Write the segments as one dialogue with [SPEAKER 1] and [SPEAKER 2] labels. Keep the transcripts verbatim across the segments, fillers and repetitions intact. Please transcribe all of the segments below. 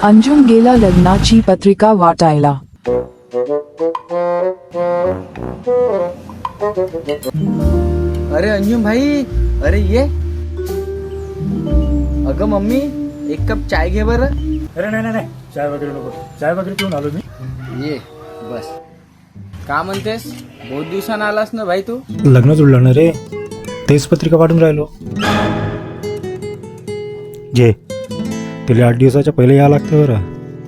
[SPEAKER 1] अंजुम गेला लग्नाची पत्रिका वाटायला.
[SPEAKER 2] अरे अंजुम भाई, अरे ये. अगं मम्मी, एक कप चाय घे बरं.
[SPEAKER 3] अरे नाही नाही नाही, चाय वगैरे नको. चाय वगैरे पिऊन आलो मी.
[SPEAKER 2] ये बस. का म्हणतेस, बहुत दिवसानं आलास ना भाई तू.
[SPEAKER 3] लग्न जुळलं ना रे, तेच पत्रिका पाठवून राहिलो. जे तिला आठ दिवसाच्या पहिले या लागतं बरं.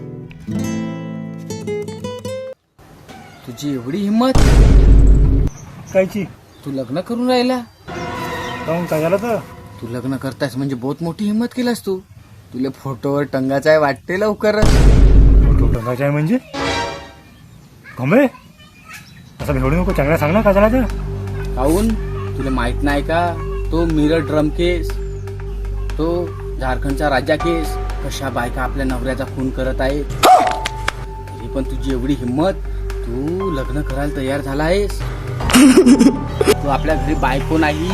[SPEAKER 2] तुझी एवढी हिंमत,
[SPEAKER 3] कायची?
[SPEAKER 2] तू लग्न करून राहिला.
[SPEAKER 3] काहून, काय झालं तर?
[SPEAKER 2] तू लग्न करतायस म्हणजे बहुत मोठी हिंमत केलास तू. तुला फोटोवर टंगाचा आहे वाटते लवकरच.
[SPEAKER 3] फोटो टाकायचा आहे म्हणजे कमळे असं भेवडू नको. चांगला सांग ना, काय झाला तर?
[SPEAKER 2] काहून, तुला माहित नाही का, तो मिरर ड्रम केस, तो झारखंडचा राजा केस, कशा बायका आपल्या नवऱ्याचा खून करत आहेत. तरी पण तुझी एवढी हिंमत, तू लग्न करायला तयार झाला आहेस. तू आपल्या घरी बायको नाही,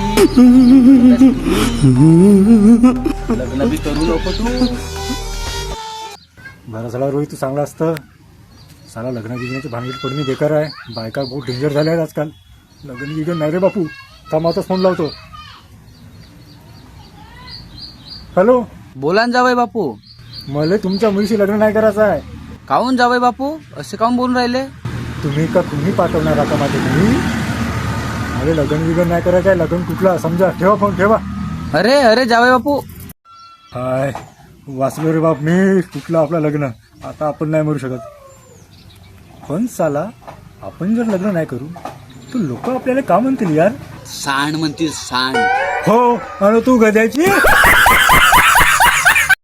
[SPEAKER 2] लग्न बी करू नको तू.
[SPEAKER 3] बरं झाला रोहित, तू चांगला असतं. साला लग्न गिग्नाची भानगड पडणी बेकार आहे. बायका बहुत डेंजर झाल्या आहेत आजकाल. लग्न गिग्न नाही रे बापू. कामातच फोन लावतो. हॅलो,
[SPEAKER 2] बोला ना जावई बापू.
[SPEAKER 3] मला तुमच्या मुलीशी लग्न नाही करायचं आहे.
[SPEAKER 2] काहून जावई बापू, असे काहून बोलून राहिले.
[SPEAKER 3] तुम्ही का तुम्ही पाठवणार आता माझे घरी? अरे लग्न विग्न नाही करायचं आहे. लग्न कुठला समजा. ठेवा फोन, ठेवा.
[SPEAKER 2] अरे अरे जावई बापू.
[SPEAKER 3] हाय वाचलो रे बाप मी. कुठलं आपलं लग्न. आता आपण नाही मरू शकत. पण साला आपण जर लग्न नाही करू तर लोक आपल्याला का म्हणतील यार?
[SPEAKER 2] सांड म्हणतील सांड.
[SPEAKER 3] हो, आणि तू गद्याची.